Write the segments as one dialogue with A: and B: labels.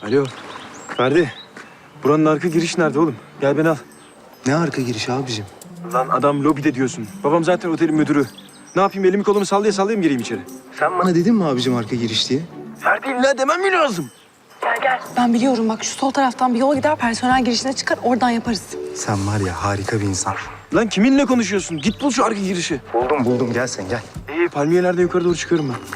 A: Alo. Ferdi. Buranın arka girişi nerede oğlum? Gel beni al.
B: Ne arka giriş abicim?
A: Lan adam lobide diyorsun. Babam zaten otelin müdürü. Ne yapayım, elimi kolumu sallaya sallaya mı gireyim içeri?
B: Sen bana dedin mi abicim arka giriş diye?
A: Ferdi illa demem mi lazım?
C: Ben biliyorum bak, şu sol taraftan bir yol gider, personel girişine çıkar, oradan yaparız.
B: Sen var ya harika bir insan.
A: Lan kiminle konuşuyorsun? Git bul şu arka girişi.
B: Buldum gel sen gel.
A: İyi, palmiyelerden yukarı doğru çıkıyorum ben.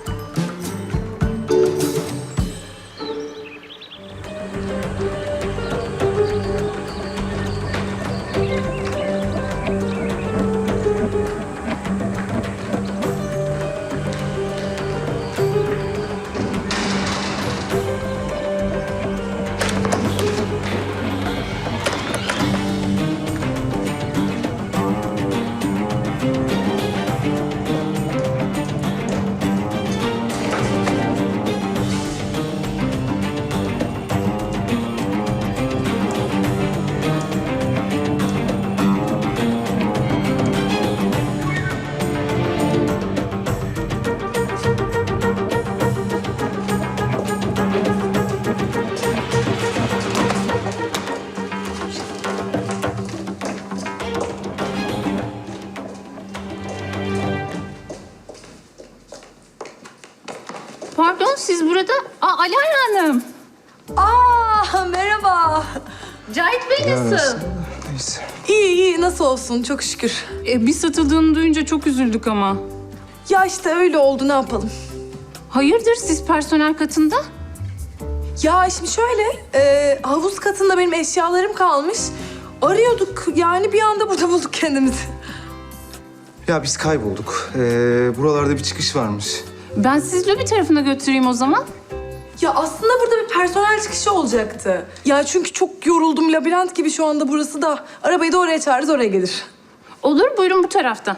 D: Pardon, siz burada... Alara Hanım.
C: Merhaba.
D: Cahit Bey nasıl?
B: Neyse.
C: İyi, nasıl olsun, çok şükür.
D: Bir satıldığını duyunca çok üzüldük ama.
C: Ya işte öyle oldu, ne yapalım?
D: Hayırdır, siz personel katında?
C: Ya şimdi şöyle, havuz katında benim eşyalarım kalmış. Arıyorduk, yani bir anda burada bulduk kendimizi.
B: Ya biz kaybolduk. Buralarda bir çıkış varmış.
D: Ben sizi lobi tarafına götüreyim o zaman.
C: Ya aslında burada bir personel çıkışı olacaktı. Ya çünkü çok yoruldum, labirent gibi şu anda burası da. Arabayı da oraya çağırırız, oraya gelir.
D: Olur, buyurun bu taraftan.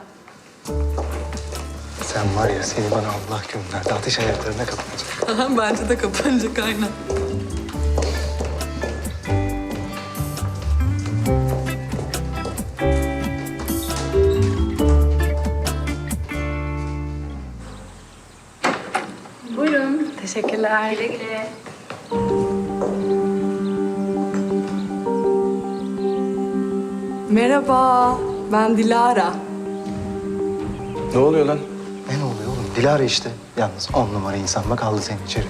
B: Sen var ya seni bana Allah gönderdi. Ateş ayaklarına kapanacak.
C: Bence de kapanacak, aynen.
D: Buyurun.
C: Teşekkürler.
D: Güle güle.
C: Merhaba, ben Dilara.
A: Ne oluyor lan?
B: Ne oluyor oğlum? Dilara işte. Yalnız 10 numara insan bak aldı seni içeri.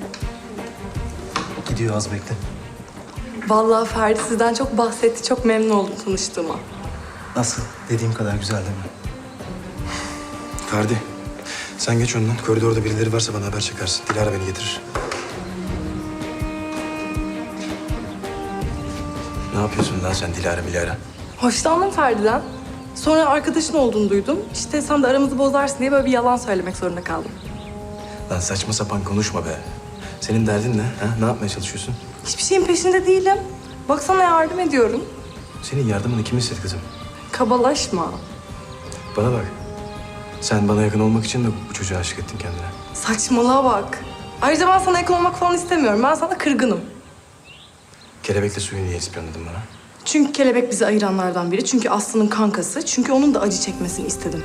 B: Gidiyor az bekle.
C: Vallahi Ferdi sizden çok bahsetti, çok memnun oldum tanıştığıma.
B: Nasıl? Dediğim kadar güzel değil mi?
A: Ferdi, sen geç önden. Koridorda birileri varsa bana haber çekersin. Dilara beni getirir. Ne yapıyorsun lan sen Dilara?
C: Hoşlandım Ferdi'den. Sonra arkadaşın olduğunu duydum. İşte sen de aramızı bozarsın diye böyle bir yalan söylemek zorunda kaldım.
A: Lan saçma sapan konuşma be. Senin derdin ne? Ha? Ne yapmaya çalışıyorsun?
C: Hiçbir şeyin peşinde değilim. Baksana yardım ediyorum.
A: Senin yardımını kim istedi kızım?
C: Kabalaşma.
A: Bana bak. Sen bana yakın olmak için de bu çocuğa aşık ettin kendine.
C: Saçmalığa bak. Ayrıca ben sana yakın olmak falan istemiyorum. Ben sana kırgınım.
A: Kelebekle suyu niye ispiyonladın bana?
C: Çünkü kelebek bizi ayıranlardan biri. Çünkü Aslı'nın kankası. Çünkü onun da acı çekmesini istedim.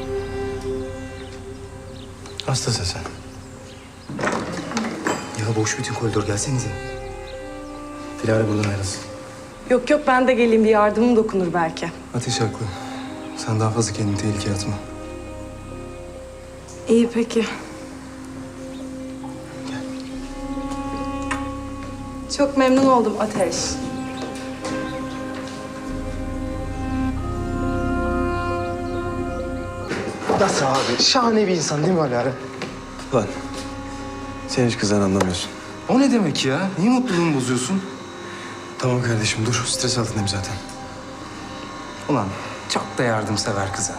A: Hastasın sen.
B: Ya boş bütün koridor gelsenize.
A: Dilara buradan ayrılsın.
C: Yok ben de geleyim, bir yardımım dokunur belki.
B: Ateş haklı. Sen daha fazla kendini tehlikeye atma.
C: İyi peki. Çok memnun oldum Ateş.
B: Nasıl abi? Şahane bir insan değil mi Alara?
A: Lan sen hiç kızdan anlamıyorsun.
B: O ne demek ya? Niye mutluluğumu bozuyorsun?
A: Tamam kardeşim dur. Stres altındayım zaten.
B: Ulan çok da yardımsever kıza.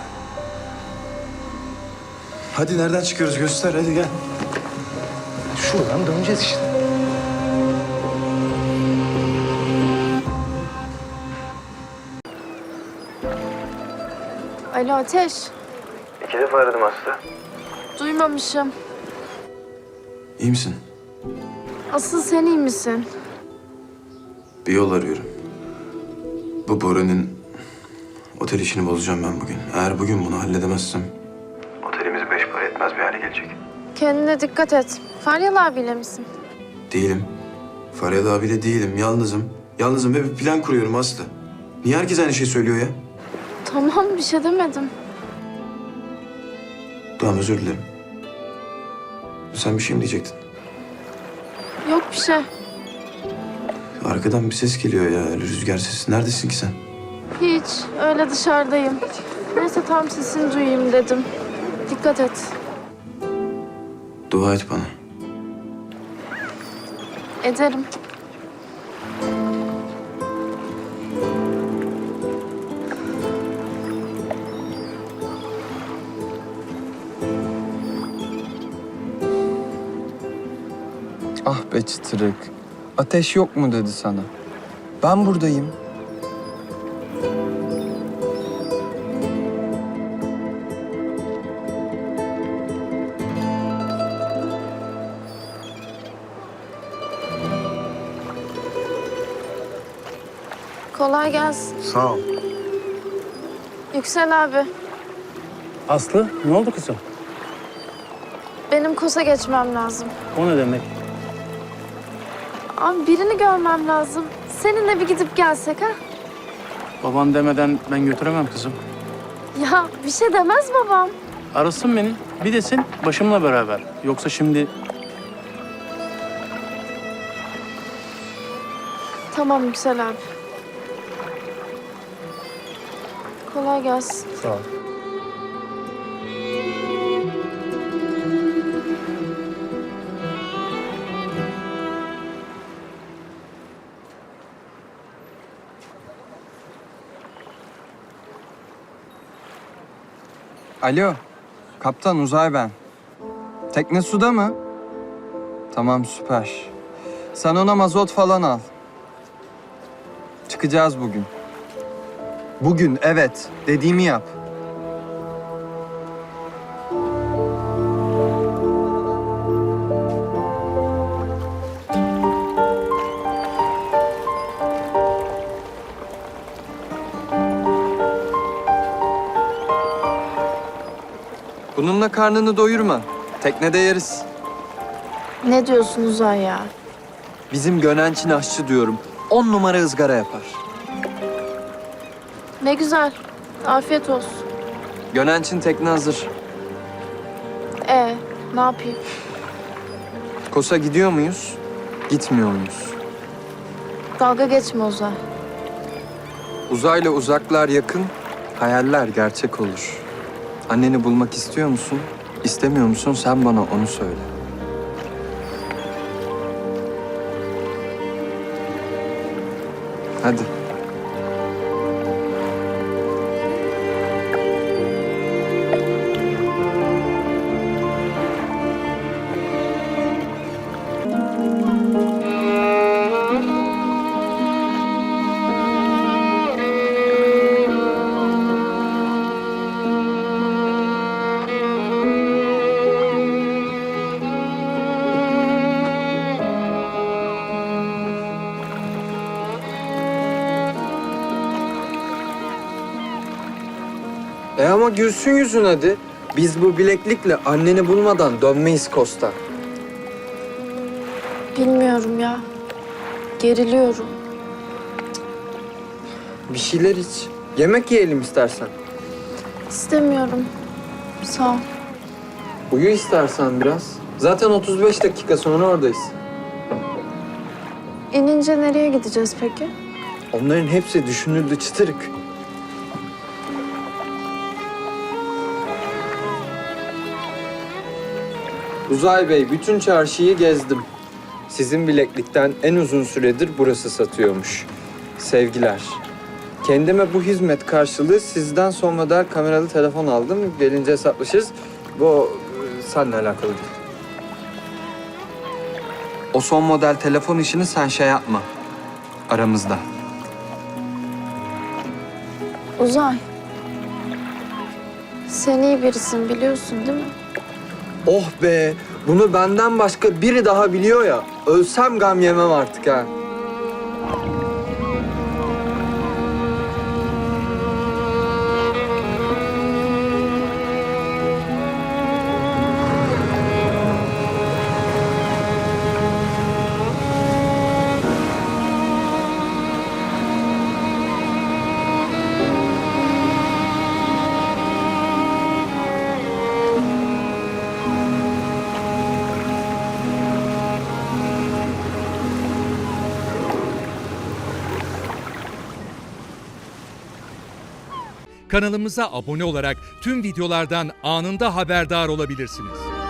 A: Hadi nereden çıkıyoruz göster hadi gel.
B: Şuradan döneceğiz işte.
E: Alo Ateş.
A: 2 defa aradım Aslı.
E: Duymamışım.
A: İyi misin?
E: Asıl sen iyi misin?
A: Bir yol arıyorum. Bu Bora'nın otel işini bozacağım ben bugün. Eğer bugün bunu halledemezsem... Otelimiz 5 para etmez bir hale gelecek.
E: Kendine dikkat et. Feryal abiyle misin?
A: Değilim. Feryat abiyle değilim, yalnızım. Yalnızım ve bir plan kuruyorum Aslı. Niye herkes aynı şeyi söylüyor ya?
E: Tamam, bir şey demedim.
A: Tamam, özür dilerim. Sen bir şey mi diyecektin?
E: Yok bir şey.
A: Arkadan bir ses geliyor ya, öyle rüzgar sesi. Neredesin ki sen?
E: Hiç. Öyle dışarıdayım. Neyse tam sesini duyayım dedim. Dikkat et.
A: Dua et bana.
E: Ederim.
F: Ah be çıtırık. Ateş yok mu dedi sana. Ben buradayım.
E: Kolay gelsin.
G: Sağ ol.
E: Yüksel abi,
G: Aslı, ne oldu kızım?
E: benim KOS'a geçmem lazım.
G: O ne demek?
E: Abi birini görmem lazım. Seninle bir gidip gelsek ha?
G: Baban demeden ben götüremem kızım.
E: Ya bir şey demez babam.
G: Arasın beni, bir desin başımla beraber. Yoksa şimdi
E: Tamam Yüksel abi. Kolay gelsin.
G: sağ ol.
F: Alo. Kaptan Uzay ben. Tekne suda mı? Tamam süper. Sen ona mazot falan al. Çıkacağız bugün. Bugün evet. Dediğimi yap. Bununla karnını doyurma. Teknede yeriz.
E: Ne diyorsun Uzay ya?
F: Bizim Gönenç'in aşçı diyorum. 10 numara ızgara yapar.
E: Ne güzel. Afiyet olsun.
F: Gönenç'in tekne hazır.
E: Ne yapayım?
F: Kosa gidiyor muyuz? Gitmiyor muyuz?
E: Dalga geçme Uzay.
F: Uzayla uzaklar yakın, hayaller gerçek olur. Anneni bulmak istiyor musun? İstemiyor musun? Sen bana onu söyle. Hadi. Ama gülsün yüzün hadi. Biz bu bileklikle anneni bulmadan dönmeyiz Kosta.
E: Bilmiyorum ya. Geriliyorum.
F: Bir şeyler iç. Yemek yiyelim istersen.
E: İstemiyorum. Sağ ol.
F: Uyu istersen biraz. Zaten 35 dakika sonra oradayız.
E: İnince nereye gideceğiz peki?
F: Onların hepsi düşünüldü çıtırık. Uzay Bey, bütün çarşıyı gezdim. Sizin bileklikten en uzun süredir burası satıyormuş. Sevgiler. Kendime bu hizmet karşılığı sizden son model kameralı telefon aldım. Gelince hesaplaşırız. Bu seninle alakalı değil. O son model telefon işini sen şey yapma. Aramızda.
E: Uzay. Sen iyi birisin biliyorsun değil mi?
F: Oh be! Bunu benden başka biri daha biliyor ya. Ölsem gam yemem artık ha.
H: Kanalımıza abone olarak tüm videolardan anında haberdar olabilirsiniz.